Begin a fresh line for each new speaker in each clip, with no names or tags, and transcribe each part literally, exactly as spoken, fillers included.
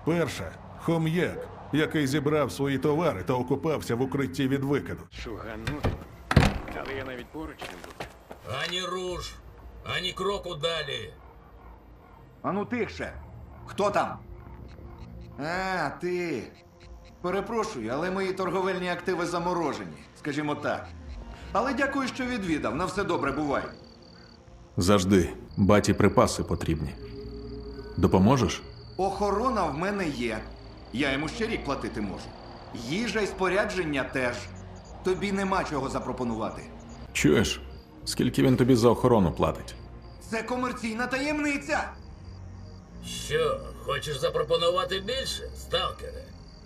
Перша хом'як, який зібрав свої товари та окупався в укритті від викиду.
Шуганути. Але я навіть поруч не був.
Ані руш, ані кроку далі.
Ану тихше. Хто там? А, ти. Перепрошую, але мої торговельні активи заморожені, скажімо так. Але дякую, що відвідав. На все добре, бувай.
Завжди. Баті припаси потрібні. Допоможеш?
Охорона в мене є. Я йому ще рік платити можу. Їжа й спорядження теж. Тобі нема чого запропонувати.
Чуєш? Скільки він тобі за охорону платить?
Це комерційна таємниця.
Що, хочеш запропонувати більше, сталкере?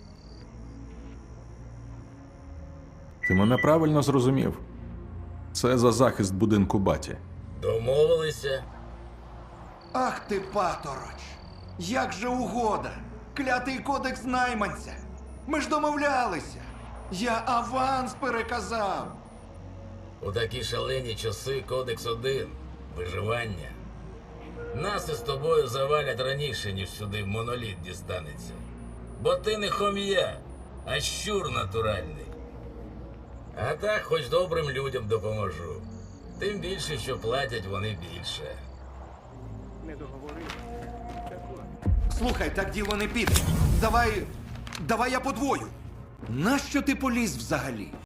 Ти мене правильно зрозумів. Це за захист будинку баті.
Домовилися?
Ах ти, патороч! Як же угода! Клятий кодекс найманця! Ми ж домовлялися! Я аванс переказав!
У такі шалені часи кодекс один – виживання. Нас із тобою завалять раніше, ніж сюди моноліт дістанеться. Бо ти не хом'я, а щур натуральний. А так хоч добрим людям допоможу. Тим більше, що платять вони більше.
Не договорив. Так от.
Слухай, так діло не піде. Давай. Давай я подвою. Нащо ти поліз взагалі?